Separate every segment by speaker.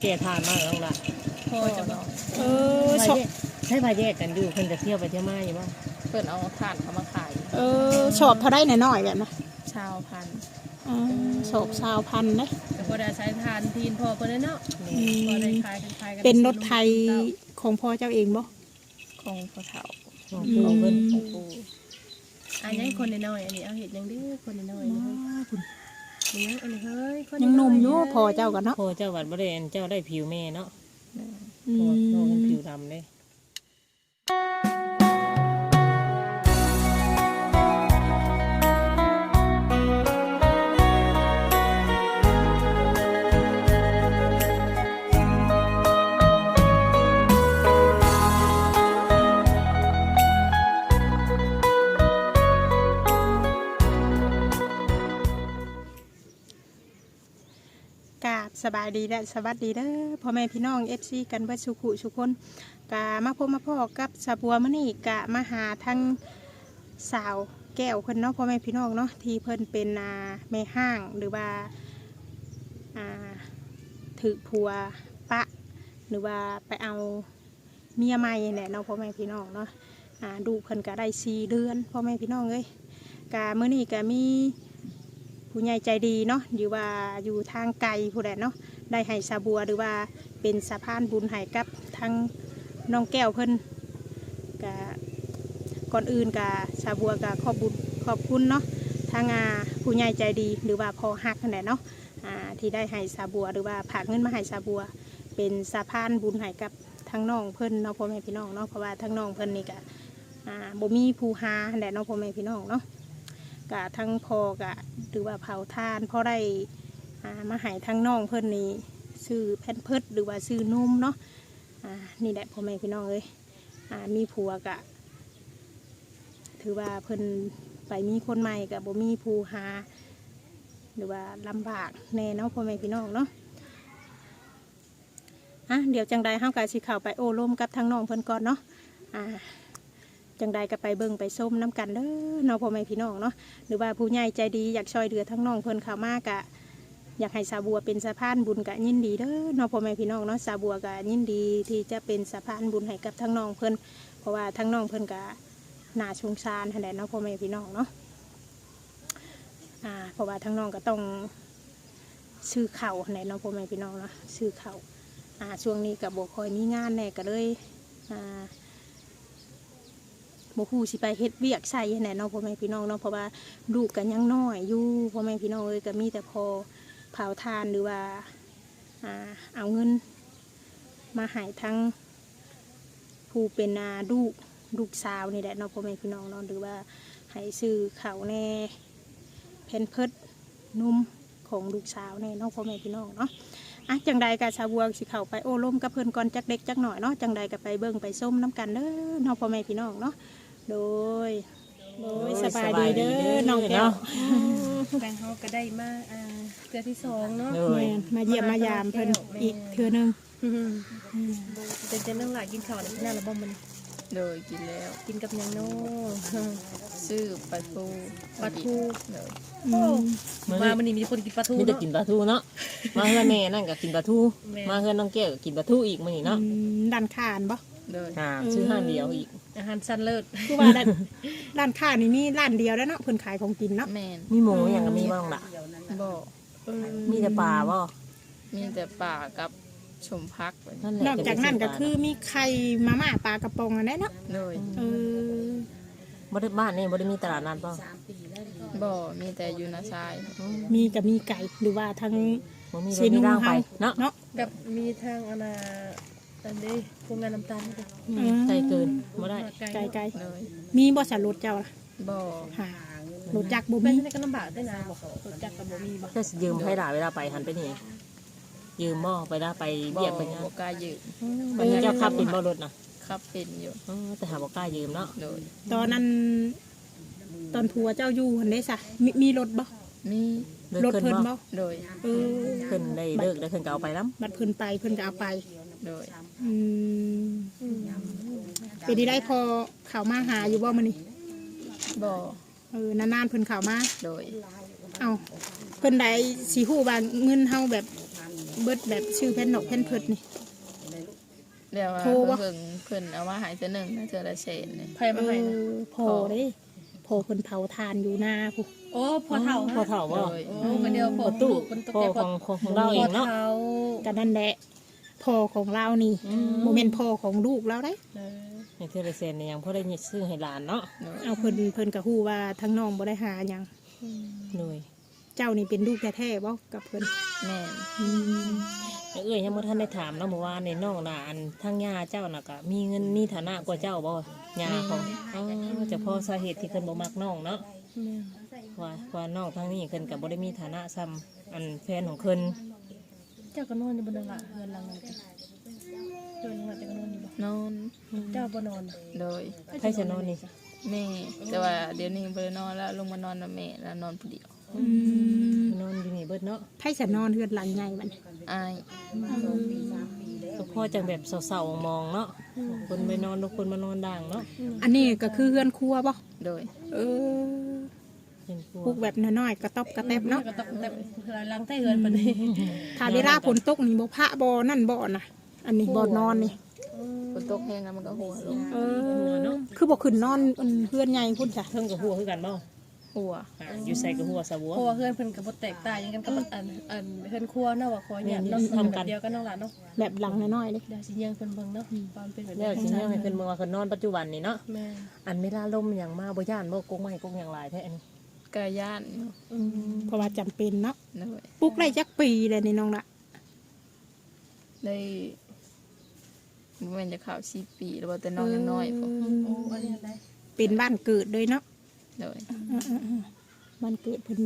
Speaker 1: แก่ทานมากแล้วล่ะ
Speaker 2: พ่อเนาะ
Speaker 1: ใช้พาแยกกันอยู่เพิ่นจะเที่ยวไปเที่ยวมาอยู่บ่
Speaker 2: เพิ่นเอาถ่านเขามาขาย
Speaker 3: ชอบเท่าได้น้อยๆแบบนะ
Speaker 2: ชาวพันธุ์
Speaker 3: ชอบชาวพันธุ์นะ
Speaker 4: ก็บ่ได้ใช้ทานทีนพอเพิ่นเนาะบ่ได้ขายกันขายกัน
Speaker 3: เป็นรถไทยของพ่อเจ้าเองบ่
Speaker 2: ของพ่อเฒ่า
Speaker 1: ของเพิ่น
Speaker 2: ของปู่
Speaker 4: อันนี้คนน้อยๆอันนี้เอาเห็ดยังดื้อคนน้อยๆนี่เฮ้ยอันนี้เฮ้ยคน
Speaker 3: ยังหนุ่มอยู่พ่อเจ้ากันเนาะ
Speaker 1: พ่อเจ้าวัดบ่ได้เจ้าได้ผิวแม่เนาะ
Speaker 3: อื
Speaker 1: พ่อ
Speaker 3: ม
Speaker 1: เป็นผิวดำเด้
Speaker 3: กราบสบายดีและสวัสดีเด้อพ่อแม่พี่น้อง FC กันเบิดสุขุสุคนกะมาพบมาพ่อกับสาบัวมื้อนี้กะมาหาทั้งสาวแก้วเพิ่นเนาะพ่อแม่พี่น้องเนาะที่เพิ่นเป็นแม่ห้างหรือว่าถือผัวปะหรือว่าไปเอาเมียใหม่แหละเนาะพ่อแม่พี่น้องเนาะดูเพิ่นก็ได้4 เดือนพ่อแม่พี่น้องเอ้ยกะมื้อนี้ก็มีผู้ใหญ่ใจดีเนาะอยู่ว่าอยู่ทางไกลผู้ใดเนาะได้ให้สาบัวหรือว่าเป็นสะพานบุญให้กับทั้งน้องแก้วเพิ่นกะก่อนอื่นกะสาบัวกะขอบคุณเนาะทางผู้ใหญ่ใจดีหรือว่าพอฮักนั่นแหละเนาะที่ได้ให้สาบัวหรือว่าฝากเงินมาให้สาบัวเป็นสะพานบุญให้กับทั้งน้องเพิ่นเนาะพ่อแม่พี่น้องเนาะเพราะว่าทั้งน้องเพิ่นนี่กะบ่มีผู้หานั่นแหละเนาะพ่อแม่พี่น้องเนาะกะทั้งพอกะหรือว่าเผาทานพอได้มาให้ทั้งน้องเพิ่นนี่ซื้อแผ่นเพิดหรือว่าซื้อนมเนาะนี่แหละพ่อแม่พี่น้องเอ้ยมีผัวกะถือว่าเพิ่นไปมีคนใหม่กะบ่มีผู้หาหรือว่าลำบากแน่เนาะพ่อแม่พี่น้องเนาะเดี๋ยวจังใดเฮากะสิเข้าไปโอ้ร่มกับทั้งน้องเพิ่นก่อนเนาะจังใดก็ไปเบิ่งไปส้มน้ำกันเด้อเนาะพ่อแม่พี่น้องเนาะหรือว่าผู้ใหญ่ใจดีอยากช่วยเหลือทั้งน้องเพิ่นเข้ามากะอยากให้สาบัวเป็นสะพานบุญกะยินดีเด้อเนาะพ่อแม่พี่น้องเนาะสาบัวกะยินดีที่จะเป็นสะพานบุญให้กับทั้งน้องเพิ่นเพราะว่าทั้งน้องเพิ่นกะน่าสงสารแท้เนาะพ่อแม่พี่น้องเนาะเพราะว่าทั้งน้องก็ต้องซื้อข้าวแท้เนาะพ่อแม่พี่น้องเนาะซื้อข้าวช่วงนี้ก็บ่ค่อยมีงานแน่ก็เลยบ่ฮู้สิไปเฮ็ดเวียกใส่แหน่เนาะพ่อแม่พี่น้องเนาะเพราะว่าลูกกันยังน้อยอยู่พ่อแม่พี่น้องเอ้ยก็มีแต่พอเผาทานหรือว่าเอาเงินมาให้ทั้งผู้เป็นลูกสาวนี่แหละเนาะพ่อแม่พี่น้องเนาะหรือว่าให้ซื้อข้าวแน่แผ่นเพิดนุ่มของลูกสาวแน่เนาะพ่อแม่พี่น้องเนาะจังใดกะชาวบัวสิเข้าไปโอ้ร่มกับเพิ่นก่อนจักเด็กจักหน่อยเนาะจังใดก็ไปเบิ่งไปส้มน้ำกันเด้อเนาะพ่อแม่พี่น้องเนาะโดยสบายดีเด้อน้องแก้ว
Speaker 4: แบงเฮาก็ได้มาเดือนที่2เนาะ
Speaker 3: มาเยี่ยมมายามเพิ่นอีกเทื่อนึง
Speaker 4: เป็นจังหลายกินข้าวได้น่าละบ่มัน
Speaker 2: โดยกินแล้ว
Speaker 4: กินกับหยังเนาะ
Speaker 2: ซื้อปลาทู
Speaker 4: ปลาทู
Speaker 2: เลย
Speaker 4: มามื้อนี้มีคนกินปลาทู
Speaker 1: มีแต่
Speaker 4: เนาะ
Speaker 1: กินปลาทูเนาะมาเฮือนแม่นั่นก็กินปลาทูมาเฮือนน้องแก้วก็กินปลาทูอีกมื้อนี้เนาะ
Speaker 3: ด้านข้านบ่
Speaker 2: เลย
Speaker 1: ซื้อห้างเดียวอีก
Speaker 4: อาหารชั้นเลิศ
Speaker 3: คือว่าด้านข้านนี่มีร้านเดียวแล้วเนาะเพิ่นขายของกินเนาะ
Speaker 2: แม่น
Speaker 1: มีหมูอย่างก็มีบ้างล่ะ
Speaker 2: บ่
Speaker 1: มีแต่ปลาบ่
Speaker 2: มีแต่ป่ากับชมพัก
Speaker 1: นั่นแหละ
Speaker 3: นอกจากนั้นก็คือมีไข่มาม่าปลากระป๋องอันนั้นเนาะ
Speaker 2: เลย
Speaker 1: บ่ได้บ้านนี่บ่ได้มีตลาดนัดบ่
Speaker 2: บ่มีแต่อยู่นาซาย
Speaker 3: มีกับมีไก่หรือว่าทั้ง
Speaker 1: บ่มี
Speaker 3: เซ
Speaker 1: รถ
Speaker 3: นู
Speaker 1: มีร่างไป
Speaker 3: เฮา
Speaker 1: เนาะ
Speaker 3: เนาะ
Speaker 4: กับมีทางอันนี้โรงงานน้ำตาลนี่
Speaker 1: ไกลเกินบ่ได้
Speaker 3: ไก่
Speaker 2: เลย
Speaker 3: มีบ่สารถเจ้าล่ะ
Speaker 2: บ่
Speaker 3: หา รถจักรบ่
Speaker 4: แม่
Speaker 3: มี
Speaker 4: นี่ก็ลำบากได้นะบอกรถจักรก็บ่มีบ่
Speaker 1: ถ้าสิยืมให้หลานเวลาไปหันไปนี่ยืมบ่ไปได้ไป
Speaker 2: บ่
Speaker 1: เบียกไปงาน
Speaker 2: บ่กล้ายืม
Speaker 1: วันนี้เจ้าขับเป็นบ่รถน่ะ
Speaker 2: ขับเป็นอยู่
Speaker 1: แต่หาบ่กล้ายืมเนาะ
Speaker 2: เลย
Speaker 3: ตอนนั้นตอนผัวเจ้าอยู่หันได้ซะมีรถบ่
Speaker 2: มี
Speaker 1: เลิก
Speaker 3: รถ
Speaker 1: ขึ้น
Speaker 3: เพิ่น
Speaker 1: บ่
Speaker 3: บ่
Speaker 2: เลย
Speaker 3: เออ
Speaker 1: ขึ้นได้เลิกได้ขึ้นก็เอาไปนํ
Speaker 3: บัดเพิ่นไปเพิ่นก็เอาไป
Speaker 2: เลย
Speaker 3: อืมเป็นที่ได้พอเข้ามาหาอยู่บ่มื้อนี้
Speaker 2: บ่
Speaker 3: นานๆเพิ่นเข้ามา
Speaker 2: เลย
Speaker 3: เอ้าเพิ่นได้สิฮู้ว่าเงินเฮาแบบเบิดแบบชื่อแผ่นนกแผ่นเพิดนี่
Speaker 2: เดี๋ยวว่า
Speaker 3: โทรบ่
Speaker 2: เพิ่นเอามาให้แต่หนึ่งนะเทื่อละเศษนี่
Speaker 4: ไผมาให้นะ
Speaker 3: พอเด้พอเพิ่นเผาทานอยู่หน้าพุ
Speaker 4: โอ้พอเฒ่า
Speaker 1: พอเฒ่าบ่
Speaker 2: โดย
Speaker 4: โอ้ก็เดียวพอ
Speaker 1: ประตู
Speaker 4: คนตก
Speaker 1: พ่อ
Speaker 4: ใจ
Speaker 1: ของเราเองเนาะ
Speaker 4: พอเฒ่า
Speaker 3: กันนั่นแหละพ่อของเรานี่โมเมนพ่อของลูกเราได้
Speaker 4: เออ
Speaker 1: ในเทเลเซนเนี่ยยังพอได้ซื้อให้หลานเนาะ
Speaker 2: โดย
Speaker 3: เอาเพิ่นกะฮู้ว่าทั้งน้องบ่ได้หาหยัง
Speaker 1: หน่วย
Speaker 3: เจ้านี่เป็นลูกแท้ๆบ่กับเพิ่น
Speaker 2: แม่น
Speaker 1: เอ้ยยังบ่ทันได้ถามเนาะเมื่อวานในน้องน่ะอันทางย่าเจ้าน่ะก็มีเงินมีฐานะกว่าเจ้าบ่ย่าของอ๋อจะพอสาเหตุที่เพิ่นบ่มักน้องเนาะ
Speaker 4: แม่
Speaker 1: ว่าน้องทางนี้เพิ่นก็บ่ได้มีฐานะซ้ำอันแฟนของเพิ่น
Speaker 4: เจ้าก็นอนอยู่บนนั้นล่ะเฮือนหลังนั้นจ้ะเฮือนหลังนั้นเจ้าก็นอนอยู่บ่
Speaker 2: นอน
Speaker 4: เจ้าบ่นอนน่ะ
Speaker 2: โดย
Speaker 1: ไผจะนอนนี่
Speaker 2: แม่แต่ว่าเดี๋ยวนี้บ่ได้นอนแล้วลงมานอนกับแม่แล้วนอนผู้เดียว
Speaker 1: นอนอยู่นี่เบิดเนาะ
Speaker 3: ไผจะนอนเฮือนหลังใหญ่บัดนี้
Speaker 2: อาย
Speaker 1: ก็พอจังแบบเศร้าๆมองๆเนาะคนไปนอนทุกคนมานอนด่างเนาะ
Speaker 3: อันนี้ก็คือเฮือนครัวบ่
Speaker 2: โดย
Speaker 3: เออ
Speaker 1: เป็นครัว
Speaker 3: ปลูกแบบน้อยๆกระต๊อบกระแตบเนาะ
Speaker 4: ก็ต้องแต่เฮือนหลังใต้เฮือนปานนี้
Speaker 3: ถ้าเวลาฝนตกนี่บ่พระบ่นั่นบ่น่ะ อันนี้บ่นอนนี่
Speaker 2: ฝนตกแห้งแล้วมันก็หัวลง
Speaker 3: เออคือบ่ขึ้นนอนเฮือนใหญ่พุ่นจ้ะ
Speaker 1: เพิ่งกับหัวคือกันบ่
Speaker 2: หัว
Speaker 1: อยู่ใส่กับหัวสะบัว
Speaker 4: เพราะว่าเฮือนเพิ่นก็บ่แตกต่างหยังกันกับอันเฮือนครัวเนาะว่าขอเนี่ยเนาะทำแบบเดียวกันเนาะล่ะเนาะ
Speaker 3: แบบหลังน้อยๆเด้
Speaker 4: เดี๋ยวสิยังเพิ่นเบิ่งเนาะตอนเป็นแบบ
Speaker 1: แล้วสิเนี่ยให้เพิ่นเมืองว่าเพิ่นนอนปัจจุบันนี่เนาะ
Speaker 4: แม่
Speaker 1: อันเวลาลมอย่างมาบ่ย่านบ่กงไม้กงอย่างหลายแท้อันนี้
Speaker 2: กะย่านอยู่
Speaker 3: เพราะว่าจำเป็นเนาะ
Speaker 2: โดย
Speaker 3: ปลูกได้จักปีเลยนี่น้องละ
Speaker 2: ได้บ่แม่นจะเข้า4ปีแล้วบ่แต่น้องยังน้อยพอ
Speaker 4: โอ้อันนี้ได้
Speaker 3: เป็นบ้านเกิดเลยเนาะ
Speaker 2: โดย
Speaker 3: บ้านเกิดเพิ่นเลย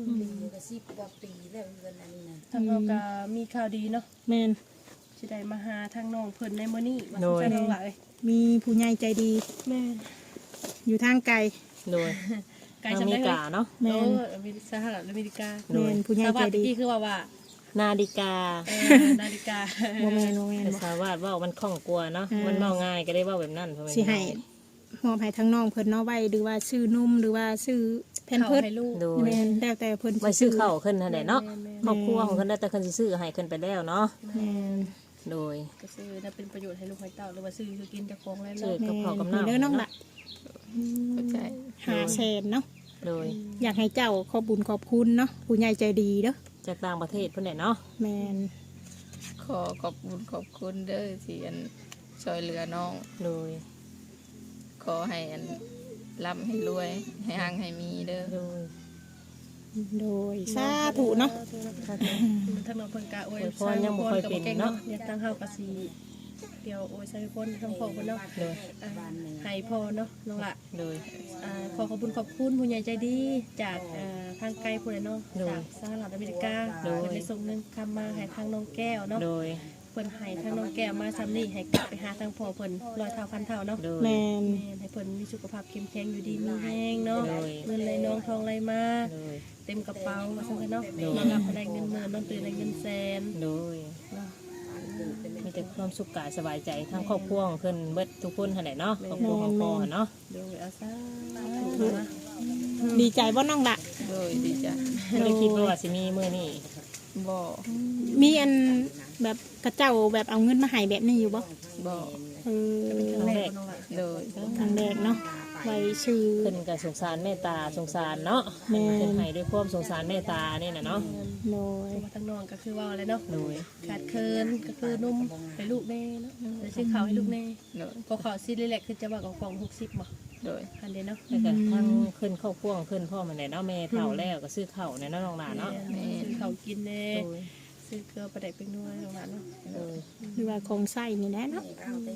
Speaker 4: ทางเราก็มีข่าวดีเนาะ
Speaker 3: แม่น
Speaker 4: สิได้มาหาทางน้องเพิ่นในมื้อนี้ว่าสิไปทางหลาย
Speaker 3: มีผู้ใหญ่ใจดี
Speaker 4: แม่
Speaker 3: อยู่ทางไกล
Speaker 1: โดย
Speaker 4: ไกล
Speaker 1: อ
Speaker 4: จำ
Speaker 1: เม
Speaker 4: ได้
Speaker 1: ริ
Speaker 4: เลย
Speaker 1: กาเนาะ
Speaker 3: แม่
Speaker 4: โอ้
Speaker 3: น
Speaker 4: สหรัฐอเมริกา
Speaker 3: แม่นผู้ใหญ่
Speaker 4: ส
Speaker 3: ใจ
Speaker 4: วัส
Speaker 3: ดี
Speaker 4: ดีคือว่า
Speaker 1: นาฬิกา
Speaker 4: นาฬิกา
Speaker 3: บ่แม่นบ่แม่น
Speaker 1: แต่
Speaker 3: บ่
Speaker 1: สาวาดว่ามันคล่องกลัวเนาะมันเมาง่ายก็ได้เว่าแบบนั้นเพราะว่า
Speaker 3: สิให้มอบให้ทั้งน้องเพิ่นเนาะไว้หรือว่าซื้อนมหรือว่าซื้อแผ่น
Speaker 4: เขา
Speaker 3: เพิด
Speaker 4: ให้ลูก
Speaker 1: โดย
Speaker 3: แม่นแล้วแต่เพิ่น
Speaker 1: ไว้ซื้อข้าวขึ้นนั่นแหละเนาะ
Speaker 4: แม่
Speaker 1: ครอบครัวของเพิ่นได้แต่เพิ่นสิซื้อให้ขึ้นไปแล้วเนาะ
Speaker 3: แม่น
Speaker 1: โดย
Speaker 4: ก็ซื้อน่าเป็นประโยชน์ให้ลูกให้เต้าหรือว่าซื้อคือกินเจะของแล้ว
Speaker 1: ซื้อ
Speaker 4: เนาะ
Speaker 1: กับข้าวกับ
Speaker 3: นี่
Speaker 1: น้ำ
Speaker 3: เด้อน้องละ
Speaker 2: เข้าใจ
Speaker 3: 500,000เนาะ
Speaker 1: โดย
Speaker 3: อยากให้เจ้าขอบบุญขอบคุณเนาะผู้ใหญ่ใจดีเด้อ
Speaker 1: จากต่างประเทศเพิ่นแหละเนาะ
Speaker 3: แม่น
Speaker 2: ขอขอบคุณขอบคุณเด้อที่อันช่วยเหลือน้อง
Speaker 1: โดย
Speaker 2: ขอให้อันร่ำให้รวย ให้หังให้มีเด้อ
Speaker 1: โดย
Speaker 3: โดยสาธุเนาะ
Speaker 4: ทางน้องเพิ่นก็อวย
Speaker 1: พรยังบ่ค่อยเป็นเนาะ
Speaker 4: อยากตั้งเฮาก็สิเดี๋ยวโอ้ยใส่คนทางพ่อเพิ่นเนาะ
Speaker 1: โดย
Speaker 4: ให้พ่อเนาะน้องละ
Speaker 1: โดย
Speaker 4: ขอขอบคุณขอบคุณผู้ใหญ่ใจดีจากทางไกลผู้ใดเนาะ
Speaker 1: โดย
Speaker 4: จากสหรัฐอเมริกา
Speaker 1: โดย
Speaker 4: เพิ่นได้ส่งเงินคำมาให้ทางน้องแก้วเนาะ
Speaker 1: โดย
Speaker 4: เพิ่นให้ทางน้องแก้วมาซ้ำนี่ให้กลับไปหาทางพ่อเพิ่นร้อยเท่าพันเท่าเนาะ
Speaker 1: โดย
Speaker 3: แม่น
Speaker 4: แม่ให้เพิ่นมีสุขภาพเข้มแข็งอยู่ดีมีแห้งเนาะ
Speaker 1: โดย
Speaker 4: เงินไหลน้องทองไหลมา
Speaker 1: โดย
Speaker 4: เต็มกระเป๋าว่าซั่นเนาะ
Speaker 1: โดย
Speaker 4: นอนหลับได้เงินหมื่นนอนตื่นได้เงินแสน
Speaker 1: โดย
Speaker 4: เนาะ
Speaker 1: มีแต่ความสุขกายสบายใจทั้งครอบครัวของเพิ่นเบิดทุกคนหั่นแหละเนาะครอบครัวของพ่อเนาะ
Speaker 4: โดยอาสานะ
Speaker 3: ดีใจบ่น้องละ
Speaker 2: โดยดีจ้ะ
Speaker 1: ไม่ได้คิดว่าสิมีมื้อนี้
Speaker 2: บ่
Speaker 3: มีอันแบบกระเจ้าแบบเอาเงินมาให้แบบนี้อยู่บ่
Speaker 2: บ่
Speaker 3: เออ
Speaker 4: ครั้งแรกของน้องละ
Speaker 2: โดย
Speaker 3: ครั้งแรกเนาะไว้ชื่อ
Speaker 1: เพิ่นก็สงสารเมตตาสงสารเนาะ
Speaker 3: แม่
Speaker 1: เพิ่นให้ด้วยความสงสารเมตตานี่น่ะเนาะ
Speaker 3: โดย
Speaker 4: มาทางน้องก็คือว่าอะไรเนาะ
Speaker 1: โดย
Speaker 4: ขาดเคินก็คือนุ่มให้ลูกแน่เนาะแล้วซื้อข้าวให้ลูกแน่
Speaker 2: โดย
Speaker 4: พอข้าวซีรีแลกคือจะว่ากับกล่อง60บ่
Speaker 2: โดย
Speaker 4: อันเดียวเนาะ
Speaker 1: แล้วก็ทั้งขึ้นครอบครัวของเพิ่นพ่อมันแหละเนาะแม่เฒ่าแล้วก็ซื้อข้าวในเนาะน้องหลานเนาะ
Speaker 4: ซื้อข้าวกินแน่
Speaker 1: โดย
Speaker 4: ซื้อเกลือประเด็กเป็นนัวของร้านเนาะ
Speaker 1: โดย
Speaker 3: หรือว่าของไส้นี่แหละเนาะ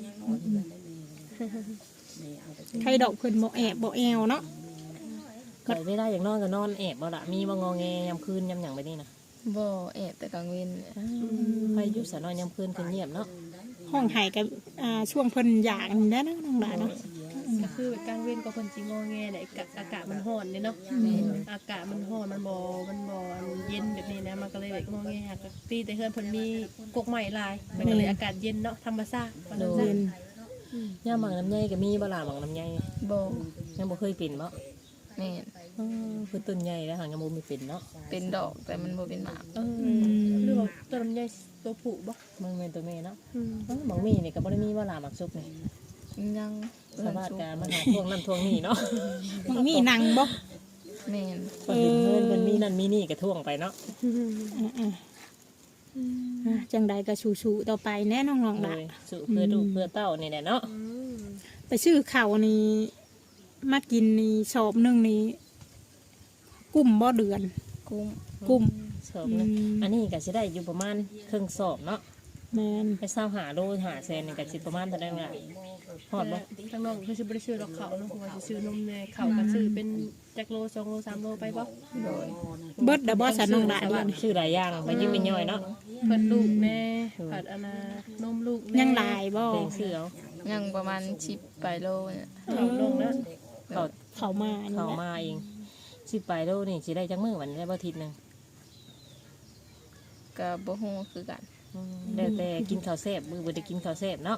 Speaker 3: ใครดอกเพิ่นบ่แอบบ่แอวเนาะ
Speaker 1: ก็เวลาอย่างนอนก็นอนแอบบ่ล่ะมีบ่งอแงยามคืนยามหยังไปนี่นะ
Speaker 2: บ่แอบแต่กลางเว้น
Speaker 1: ใครอยู่สะนอนยามคืนคือเงียบเนาะ
Speaker 3: ห้องไห้กับช่วงเพิ่นอยากนี่แหละเนาะน้องหลานเนาะ
Speaker 4: ก็คือแบบกลางเว้นก็เพิ่นสิงอแงแหละอากาศมันร้อนเนี่ยเนาะอากาศมันร้อนมันบ่เย็นแบบนี้นะมันก็เลยแบบงอแงก็ตีแต่เฮือนเพิ่นมีกกใหม่ลายมันก็เลยอากาศเย็นเนาะธรรมชาติว่าจังซั่น
Speaker 1: ยามหมักน้ำใยก็มีบ่ล่ะหมักน้ำใย
Speaker 2: บ่
Speaker 1: ยังบ่เคยปิ่นบ่
Speaker 2: แม่น
Speaker 1: คือต้นใหญ่แล้วหางยังบ่มีเป็นเนาะ
Speaker 2: เป็นดอกแต่มันบ่เป็นหมาก
Speaker 4: หรือว่าตัวลำไยตัวผูบ่
Speaker 1: มันเป็นตัวแม่เนาะ
Speaker 4: อืม
Speaker 1: บางมีนี่ก็บ่ได้มีว่าหลาหมักซุกนี่
Speaker 2: ยัง
Speaker 1: สามารถการมาหาทวงนั่นทวงนี่เนาะ
Speaker 3: มันมีหนังบ่
Speaker 2: แม่น
Speaker 1: เพิ่นเห็นเพิ่นมีนั่นมีนี่ก็ทวงไปเนาะ
Speaker 3: จังใดก็ชูๆต่อไปแน่น้องๆ
Speaker 1: โด
Speaker 3: ล่ะ
Speaker 1: ยสู่เพื่อลูกเพื่อเต้านี่แหละเนาะ
Speaker 3: ไปซื้อข้าวนี่มากินนี่สอบหนึงนี่กุ้มบ่เดือน
Speaker 2: กุ้ง
Speaker 3: กุ้ม
Speaker 1: สอบนึงอันนี้ก็สิได้อยู่ประมาณครึ่งสอบเนาะ
Speaker 3: แม่น
Speaker 1: ไปเศร้าหาโลหาแสนนี่ก็สิประมาณเท่านั้นล่ะฮอดบ่
Speaker 4: ทางน้องคือสิบ่ได้ซื้อดอกเขาเนาะเพราะว่าสิซื้อนมแน่เขาก็ซื้อเป็นจักโล2โล3โลไปบ่
Speaker 2: โดย
Speaker 3: เบิดดบ่สะน้องล่ะเดือน
Speaker 1: ชื่อหลายอย่างไปยิ้มไปย่อยเนาะ
Speaker 4: เพิ่นลูกแน่ผัดอนนมลูกแน่
Speaker 3: ยังหลายบ่
Speaker 1: เพลงชื่อเอา
Speaker 2: ยังประมาณ10ปลายโลเนี่ย
Speaker 4: เขาลงนะ
Speaker 1: เขา
Speaker 3: เข้ามานี่
Speaker 1: เขา
Speaker 3: แหละ
Speaker 1: มาเองสิไปโลนี่สิได้จักมื้อวันนี้ได้บ่อาทิตย์หนึง
Speaker 2: ก็บ่ฮู้คือกัน
Speaker 1: แล้วแต่กินข้าวแซ่บมื้อบ่ได้กินข้าวแซ่บเนาะ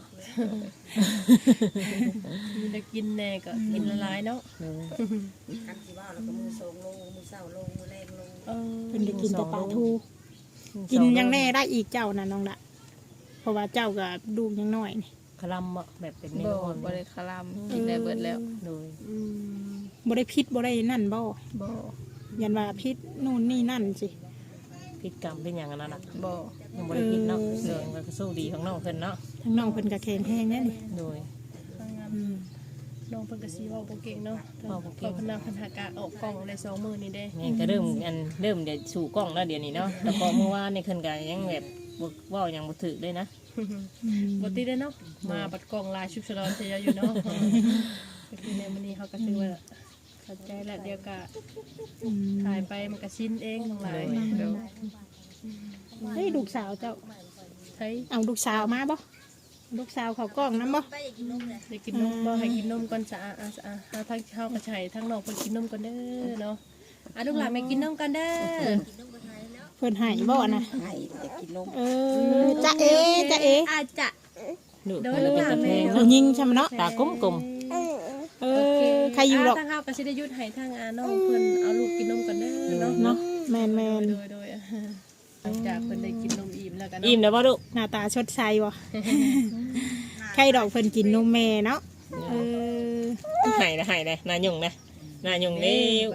Speaker 4: มีแต่กินแน่ก็กินละลายเนาะ
Speaker 1: เออ
Speaker 5: กันสิว่าเราก็มือ2โลมือเช้าโลมือแรงโล
Speaker 4: เออ
Speaker 3: เพิ่นได้กินแต่ปลาทูกินยังแน่ได้อีกเจ้าน่ะน้องล่ะเพราะว่าเจ้าก็ลูกยังน้อยนี่
Speaker 1: คลำบ่แบบเป็นเม
Speaker 2: บ่
Speaker 1: นูอ่อน
Speaker 2: บ่ได้คลำกินได้เบิดแล้ว
Speaker 1: โดย
Speaker 4: อืม
Speaker 3: บ่ได้พิษบ่ได้นั่นบ่
Speaker 2: บ่
Speaker 3: ยันว่าพิษนู่นนี่นั่นสิ
Speaker 1: พิษกรรมเป็นหยังอันนั้นน่ะ
Speaker 2: บ่
Speaker 1: ยังบ่ได้พิษเนาะเรื่องก็สู้ดีของน้องเพิ่นเนาะ
Speaker 3: ทั้งน้องเพิ่นก็แข็งแรงแน่นี่
Speaker 1: โดย
Speaker 4: ทางงาน
Speaker 3: อืม
Speaker 4: น้องเพิ่นก็สิเว้าบ่เก่งเนาะ
Speaker 1: เว้าบ่เก่ง
Speaker 4: พนักหากะออกกล้องได้2มื้อนี่เด้
Speaker 1: แม่ก็เริ่มเดี๋ยวสู่กล้องแล้วเดี๋ยวนี้เนาะแต่พอเมื่อวานนี่เพิ่นก็ยังแบบบ่เว้าหยังบ่ถูกเลยนะ
Speaker 4: บ่ติดได้เนาะมาบัดกล้องลายชุบฉลอนเสียอยู่เนาะก็คือในมื้อนี้เฮาก็ถือว่าเข้าใจแล้วเดี๋ยวก็ถ่ายไปมันก็ชินเองทั้งหลาย
Speaker 2: เดี๋ยว
Speaker 3: เฮ้ยลูกสาวเจ้า
Speaker 4: ใช่
Speaker 3: เอาลูกสาวมาบ่ลูกสาวเขากล้องนํบ่
Speaker 4: ได้กินนมบ่ให้กินนมก่อนสะอาดเฮาทั้งเฮาก็ใช้ทั้งน้องเพิ่นกินนมก่อนเด้อเนาะลูกหลานไม่กินนมกันเด้อ
Speaker 3: เพิ่นให้บ่นะ
Speaker 5: ให้จะกินนม
Speaker 3: จ๊ะเอจ๊ะเอ
Speaker 4: อาจจะ
Speaker 1: ลูก
Speaker 4: โด
Speaker 1: เพิ่
Speaker 4: ย
Speaker 1: นเป็นตะเพง
Speaker 3: ผู้
Speaker 1: เนาะ
Speaker 3: หญิงใช่ไหมเนาะ
Speaker 1: ตากลม
Speaker 3: ใครอยู่หรอก
Speaker 4: ทางเฮาก็สิได้หยุดให้ทางน้องเพิ่นเอาลูกกินนมกันเด้อเนาะ
Speaker 3: เนาะแมน
Speaker 4: โดยหลังจากเพิ่นได้กินนมอิ่มแล้วกัน
Speaker 1: ๆอิ่มแล้วบ่ลูก
Speaker 3: หน้าตาชดใสบ่ใครดอกเพิ่นกินนมแม่เนาะเออ
Speaker 1: ให้นะนายุ่งนะนายุ่งเด้ว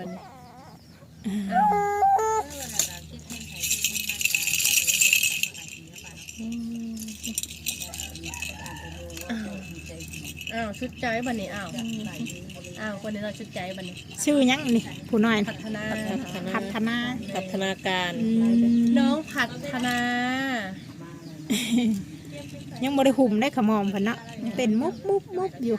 Speaker 4: อ้าวชุดใจบัดนี้อ้าวคนนี้เราชุดใจบัดนี้
Speaker 3: ชื่อหยังนี่ผู้น้อย
Speaker 4: พัฒนา
Speaker 3: พัฒนา
Speaker 1: พัฒนาการ
Speaker 4: น้องพัฒนา
Speaker 3: ยังบ่ได้หุ่มได้ขมอมเพิ่นเนาะยังเต้นมุบอยู่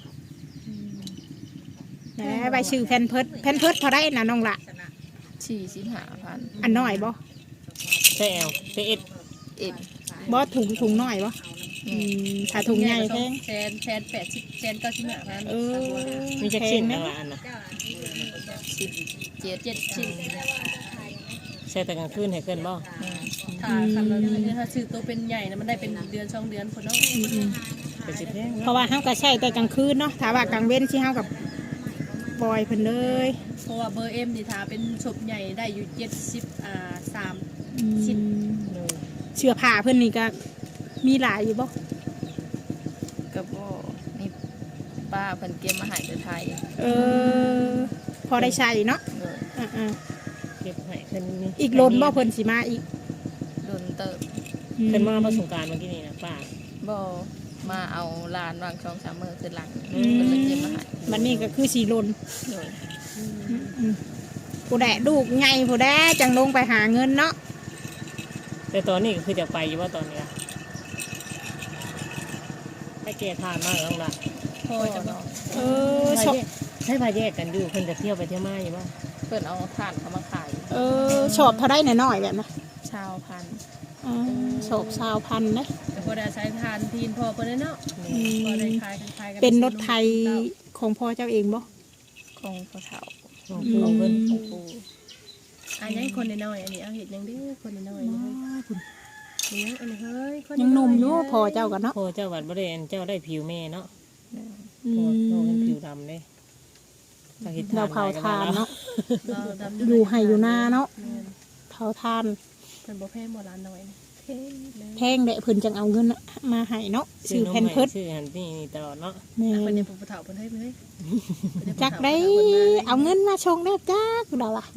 Speaker 3: แหน่ใบชื่อแพนเพิร์ดเท่าไรนะน้องละ
Speaker 2: 45,000
Speaker 3: อันน้อยบ่
Speaker 1: ใช่เอาใช่เอ็ด
Speaker 2: เอ็ด
Speaker 3: บ่ถุงน้อยบ่ถ้าถุงใหญ่แพง
Speaker 4: แสน80แสน95,000
Speaker 3: เออ
Speaker 1: มีจักชิ้นนะอันน่ะ
Speaker 2: 7
Speaker 4: ชิ้น
Speaker 1: ใช่แต่กลางคืนให้เพิ่นบ่
Speaker 4: ถ้าคันเราถ้าซื้อตัวเป็นใหญ่นะมันได้เป็นเดือน2เดือนพุ่นเนาะ
Speaker 1: เป็นสิแพง
Speaker 3: เพ
Speaker 1: เนาะ
Speaker 3: ราะว่าเฮาก็ใช้แต่กลางคืนเนาะถ้าว่ากลางเว้นสิเฮากับปล่อยเพิ่นเลย
Speaker 4: เพราะว่าเบอร์ M นี่ถ้าเป็นศพใหญ่ได้อยู่3 ชิ้น
Speaker 3: เสื้อผ้าเพิ่นนี่ก็มีหลายอยู่บ่
Speaker 2: ก็บ่นี่ป้าเพิ่นเก็บมาให้แต่ไทย
Speaker 3: พอได้ใช้เนาะ
Speaker 2: โดย
Speaker 3: อ่า
Speaker 1: เก็บให้เพิ่นนี่
Speaker 3: ๆอีกลนบ่เพิ่นสิมาอีก
Speaker 2: โดนเติบ
Speaker 1: เพิ่นมาประสงกรารเมื่อกี้นี่นะป้า
Speaker 2: บ่มาเอาลานวาง2-3มื้อขึ้นหลัง
Speaker 1: อืม
Speaker 2: เพิ่นเลยเก็บมาให้
Speaker 3: บัดนี้ก็คือสิลน
Speaker 2: โดย
Speaker 3: ผู้แดะลูกไงผู้แดะจังลงไปหาเงินเนาะ
Speaker 1: แต่ตอนนี้ก็คือจะไปอยู่ว่าตอนนี้อะให้แกทานมากแล้วล่ะ
Speaker 4: พอจะ
Speaker 2: เนาะ
Speaker 3: ชอบ
Speaker 1: ให้พาแยกกันอยู่เพิ่นจะเที่ยวไปเที่ยวมาอยู่บ่
Speaker 2: เพิ่นเอาถ่านเขามาขาย
Speaker 3: ชอบเท่าได้หน่อยๆแบบนะ
Speaker 2: ชาวพันธุ์
Speaker 3: ชอบชาวพันธุ์นะ
Speaker 4: แต่พอได้ใช้ทานทีนพอเพิ่นเนาะพอได้ขายกัน
Speaker 3: เป็นรถไทยของพ่อเจ้าเองบ่
Speaker 2: ของพ่อเฒ่า
Speaker 1: ของเพิ่น
Speaker 2: ของปู่
Speaker 4: อันนี้คนน้อยอันนี้เอาเห็ดยังดื้อคนน้อยนี่เฮ้ยอันนี้เฮ้ย
Speaker 3: ยังหนุ่มอยู่พ่อเจ้ากันเนาะ
Speaker 1: พ่อเจ้าวัดบ่ได้อันเจ้าได้ผิวแม่เนาะ
Speaker 3: อื
Speaker 1: พ่อ
Speaker 3: ม
Speaker 1: เป็นผิวดำเด้ต้องเฮ็ด
Speaker 3: เราเผาทานเนาะ
Speaker 4: เราดำ
Speaker 3: อยู่ให้อยู่หน้าเนาะ
Speaker 4: แม่น
Speaker 3: เผาทาน
Speaker 4: เพิ่นบ่แพงบ่ร้านน้อยนี่แพงแม่
Speaker 3: แพงแดะเพิ่นจังเอาเงินมาให้เนาะซื้อแพนเพิร์ส
Speaker 1: ชื่อหันนี่ตลอดเนาะ
Speaker 3: แม่
Speaker 4: เพิ่น
Speaker 3: น
Speaker 4: ยังผู้เฒ่าเพิ่นให้เพิ่นให้
Speaker 3: จักได้เอาเงินมาชงได้จักดอกล่ะ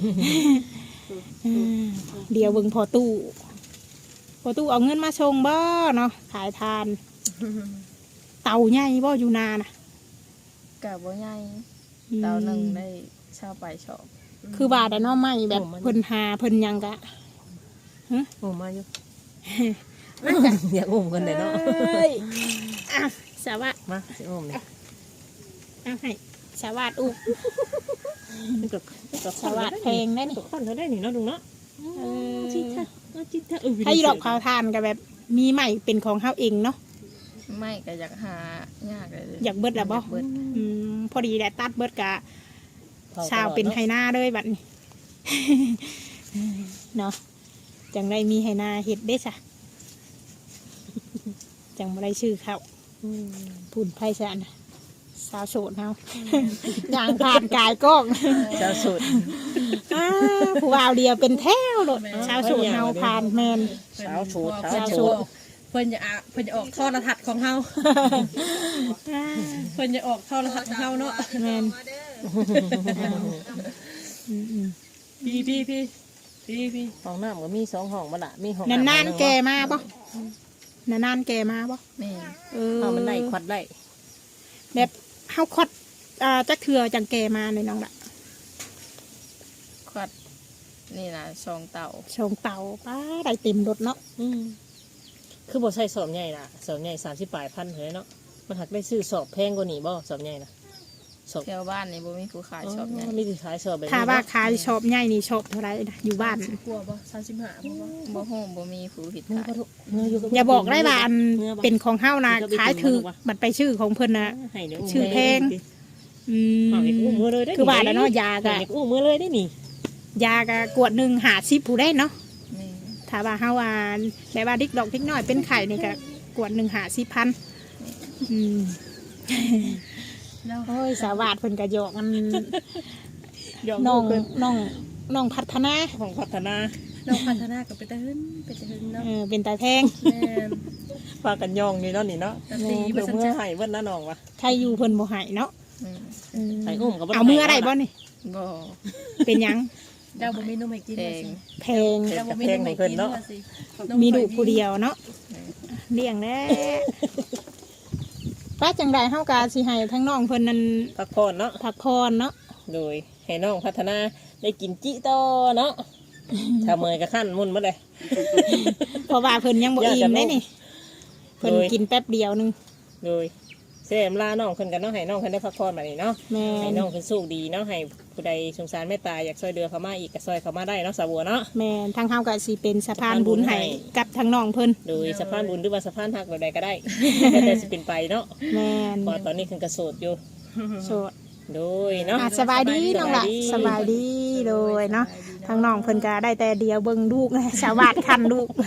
Speaker 3: เดี๋ยวเบิ่งพอตู้เอาเงินมาชงบ่เนาะขายทาน เต่าใหญ่บ่อยู่นาน่ะ
Speaker 2: กะบ่ใหญ่เตาหนึงได้ชาวไปชอบ
Speaker 3: คือว่าแต่เนาะไม่แบบเพิ่นหาเพิ่นหยังกะ
Speaker 1: โอ้มาอยู่ อยากอุ้มกันเด้เนาะ
Speaker 3: อ้ยอ่ะสวัสด
Speaker 1: มาสิอุ้มนี่
Speaker 3: เอาให้สวัสดอุ้ม
Speaker 1: มันก็
Speaker 3: สวัสดแพงได้นี่
Speaker 1: ตกคนเท่าได้นี่เนาะลุงเนาะ
Speaker 3: เออ
Speaker 1: จิตถ้าจิตถ้า
Speaker 3: ถ้าอีดอกเผาทานก็แบบมีใหม่เป็นของเฮาเองเนาะ
Speaker 2: ไม่ก็อยากหายากเลย
Speaker 3: อยากเบิดแล้วบ่
Speaker 2: อยากเบิด
Speaker 3: พอดีแหละตัดเบิดกะชาวเป็นไหนาเลยบัดนี้ เนาะจังได้มีไหนาเฮ็ดเด้ซะจังบ่ได้ชื่อเขาพุ่นไผซะนะสาวโสดเฮา ย่างผ่านกายกล้อง
Speaker 1: เจ้าสุด
Speaker 3: ผู้บ่าวเดียวเป็นแถวโลดชาวโสดเฮาผ่านแม่น
Speaker 1: สาวสูด
Speaker 3: สาวโสด
Speaker 4: เพิ่นจะออกโทรทัศน์ของเฮาเพิ่นจะออกโทรทัศน์ของเฮาเนาะ
Speaker 3: แม่น
Speaker 4: พี่
Speaker 1: ห้องน้ำก็มี2ห้องบ่ล่ะมีห้อง
Speaker 3: นานๆแกมาบ่นานๆแกมาบ่
Speaker 2: แม่
Speaker 1: เอามันได้ควัดได้
Speaker 3: แบบเฮาคดจักเทื่อจังแกมาเลยน้องละ
Speaker 2: ควัดนี่นะชองเต่า
Speaker 3: ชงเต่าป้าได้เต็มรถเนาะ
Speaker 1: คือบ่ใส่สอบใหญ่ล่ะสอบใหญ่30ปลายพันเฮ้ยเนาะมันหักได้ซื้อสอบแพงกว่านี้บ่สอบใหญ่น่ะสอบ
Speaker 2: แถวบ้านนี่บ่มีผู้ขายชอบใหญ่
Speaker 1: มีที่ขายสอบแบบนี้
Speaker 3: ถ้าว่าขายชอบใหญ่นี่ชอบเท่าไรนะอยู่บ้าน
Speaker 4: กลัวบ่35บ่บ่
Speaker 2: บ่ฮู้บ่มีผู้ผิด
Speaker 1: เนื้อ
Speaker 2: ขาย
Speaker 1: ปลาทุเนื้ออยู่กับ
Speaker 3: อย่าบอกได้ว่าอัน
Speaker 1: เนื้อบ่
Speaker 3: เป็นของเฮานะขายถือบัตรไปชื่อของเพิ่นนะ
Speaker 1: ให้เดี๋ยว
Speaker 3: ชื่อแพง อืม
Speaker 1: เอาเด็กอุ้มมือเลยได้
Speaker 3: คือว่าแล้วเนาะยา
Speaker 1: เอา
Speaker 3: กะ
Speaker 1: เด็กอุ้มมือเลยได้นี่
Speaker 3: ยากะกวดหนึ่ง50ผู้ได้เนาะ
Speaker 2: แม่
Speaker 3: ถ้าว่าเฮาว่าแบบว่าดิกดอกดิกน้อยเป็นไข่นี่ก็กวดหนึ่ง50,000อืม
Speaker 4: แล้ว
Speaker 3: โอ้ยสาวาดเพิ่นก็หยอกกันน้องน้องพัฒนา
Speaker 1: ของพัฒนา
Speaker 4: น้องพัฒนาก็เป็นตาหึนเนาะ
Speaker 3: เป็นตาแพง
Speaker 4: แม่น
Speaker 1: พากันยองนี่เนาะนี่เนาะ
Speaker 4: แต่ตี
Speaker 1: เดี๋
Speaker 4: บ่
Speaker 1: ยว
Speaker 4: ซั่น
Speaker 1: เมื่อ
Speaker 4: จ้ะ
Speaker 1: ให้เบิ้ลนะน้องวะ
Speaker 3: ใครอยู่เพิ่นบ่ให้เนาะ
Speaker 1: ให้อุ้มกับ
Speaker 3: เอามืออะไรบ่นี่
Speaker 2: บ่
Speaker 3: เป็นหยัง
Speaker 4: เจ้าบ่มีนมให้กิน
Speaker 2: แพ
Speaker 4: ว่าง สิ
Speaker 3: แพง
Speaker 4: เจ้าบ่มีนมให้กินว่าสิ
Speaker 3: มีดูกผู้เดียวเนาะเลี้ยงแน่ป้าจังใดเฮากาสิให้ทั้งน้องเพิ่นนั้น
Speaker 1: พักผ่อนเนาะ
Speaker 3: พักพรเนาะ
Speaker 1: โดยให้น้องพัฒนาได้กินจิโตอเนาะถ้าเมยกับขั้นมุ่นมาเลย
Speaker 3: เพราะว่าเพิ่นยังบ่อิ่มได้นี่เพิ่น
Speaker 1: โดย
Speaker 3: กินแป๊บเดียวหนึง
Speaker 1: โดยเสียมลาน้องเพิ่นกันเนาะให้น้องเพิ่นได้พักผ่อนมานี่เนาะ
Speaker 3: แม่
Speaker 1: ให้
Speaker 3: น
Speaker 1: น้องเพิ่นสู้ดีเนาะให้ผู้ใดสงสารเมตตาอยากช่วยเดือเขามาอีกก็ช่วยเขามาได้เนาะสาวบัวเนาะ
Speaker 3: แม่นทางเฮาก็สิเป็นสะพานบุญให้กับทางน้องเพิ่น
Speaker 1: โดยสะพานบุญหรือว่าสะพานหักแบบใดก็ได้ แต่สิเป็นไปเนาะ
Speaker 3: แม่น
Speaker 1: เพอตอนนี้เพิ่นก็โสดอยู่
Speaker 3: โสด
Speaker 1: โดยเนาะ
Speaker 3: สบายดีน้องล่ะสบายดีโดยเนาะทางน้องเพิ่นก็ได้แต่เดียวเบิ่งลูกนะชาวบ้านคันลูก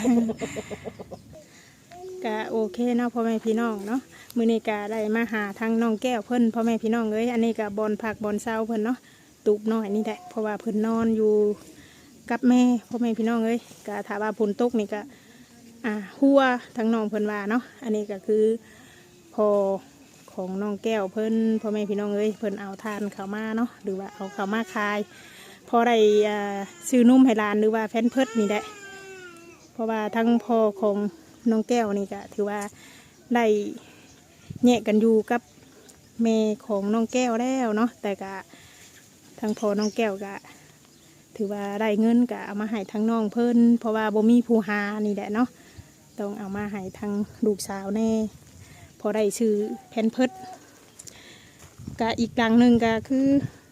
Speaker 3: ก็โอเคเนาะพ่อแม่พี่น้องเนาะมื้อนี้ก็ได้มาหาทางน้องแก้วเพิ่นพ่อแม่พี่น้องเอ้ยอันนี้ก็บอนผักบอนเซาเพิ่นเนาะตูบน้อยนี่แหละเพราะว่าเพิ่นนอนอยู่กับแม่พ่อแม่พี่น้องเอ้ยก็ถ้าว่าฝนตกนี่ก็หัวทางน้องเพิ่นว่าเนาะอันนี้ก็คือพอของน้องแก้วเพิ่นพ่อแม่พี่น้องเอ้ยเพิ่นเอาทานเข้ามาเนาะหรือว่าเอาเข้ามาขายพอได้ซื้อนุ่มให้หลานหรือว่าแฟนเพิดนี่แหละเพราะว่าทั้งพ่อของน้องแก้วนี่ก็ถือว่าได้แยกกันอยู่กับแม่ของน้องแก้วแล้วเนาะแต่ก็ทั้งพ่อน้องแก้วก็ถือว่าได้เงินก็เอามาให้ทั้งน้องเพิ่นเพราะว่าบ่มีผู้หานี่แหละเนาะต้องเอามาให้ทั้งลูกสาวแน่พอได้ชื่อแพนเพิดก็อีกหลังหนึ่งก็คือ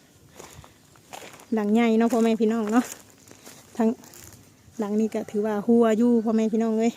Speaker 3: หลังใหญ่เนาะพ่อแม่พี่น้องเนาะทั้งหลังนี้ก็ถือว่าหัวอยู่พ่อแม่พี่น้องเลย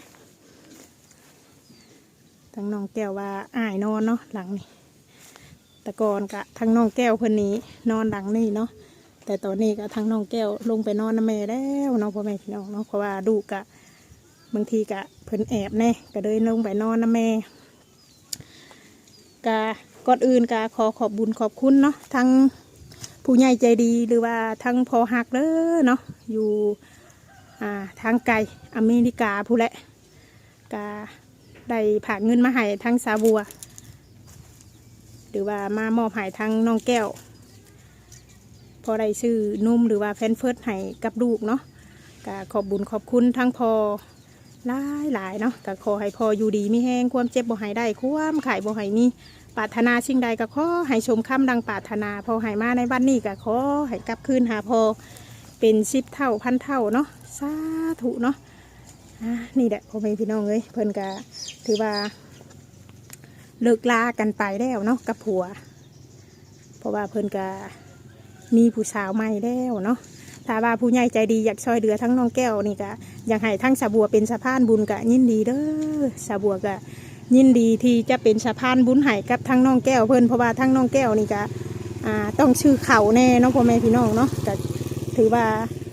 Speaker 3: ทั้งน้องแก้วว่าอ้ายนอนเนาะหลังนี้แต่ก่อนก็ทั้งน้องแก้วเพิ่นนี้นอนหลังนี้เนาะแต่ตอนนี้ก็ทั้งน้องแก้วลงไปนอนน้ำแม่แล้วเนาะพ่อแม่พี่น้องเนาะเพราะว่าดูกะบางทีกะเพิ่นแอบแน่ก็เลยลงไปนอนน้ำแม่กะก่อนอื่นกะขอขอบบุญขอบคุณเนาะทั้งผู้ใหญ่ใจดีหรือว่าทั้งพอหักเด้อเนาะอยู่ทางไกลอเมริกาผู้นแหละก็ได้ผากเงินมาให้ทั้งสาบัวหรือว่ามามอบให้ทั้งน้องแก้วพอได้ซื้อนุ่มหรือว่าแฟนเฟิร์สให้กับลูกเนาะก็ขอบบุญขอบคุณทั้งพอหลายเนาะก็ขอให้พออยู่ดีมีแห้งความเจ็บบ่ให้ได้ความขายบ่ให้มีปรารถนาสิ่งใดก็ขอให้ชมคำดังปรารถนาพอให้มาในวันนี้ก็ขอให้กลับคืนหาพอเป็น10 เท่าพันเท่าเนาะสาธุเนาะนี่แหละพ่อแม่พี่น้องเอ้ยเพิ่นก็ถือว่าเลิกลากันไปแล้วเนาะกับผัวเพราะว่าเพิ่นก็มีผู้สาวใหม่แล้วเนาะถ้าว่าผู้ใหญ่ใจดีอยากช่วยเหลือทั้งน้องแก้วนี่ก็อยากให้ทั้งสาบัวเป็นสะพานบุญก็ยินดีเด้อสาบัวก็ยินดีที่จะเป็นสะพานบุญให้กับทั้งน้องแก้วเพิ่นเพราะว่าทั้งน้องแก้วนี่ก็ต้องชื่อเข่าแน่เนาะพ่อแม่พี่น้องเนาะก็ถือว่า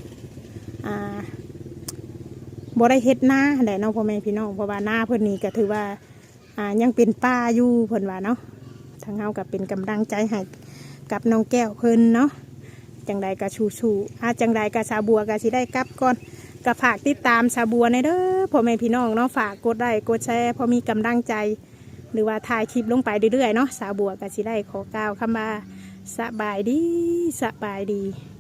Speaker 3: บ่ได้เฮ็ดหน้าแหละเนาะพ่อแม่พี่น้องเพราะว่าหน้าเพิ่นนี่ก็ถือว่ายังเป็นป้าอยู่เพิ่นว่าเนาะทางเฮาก็เป็นกำลังใจให้กับน้องแก้วเพิ่นเนาะจังใดก็สู้ๆจังใดก็สาบัวก็สิได้กลับก่อนก็ฝากติดตามสาบัวในเด้อพ่อแม่พี่น้องเนาะฝากกดไลค์กดแชร์พอมีกำลังใจหรือว่าถ่ายคลิปลงไปเรื่อยๆเนาะสาบัวก็สิได้ขอกล่าวคำว่าสบายดี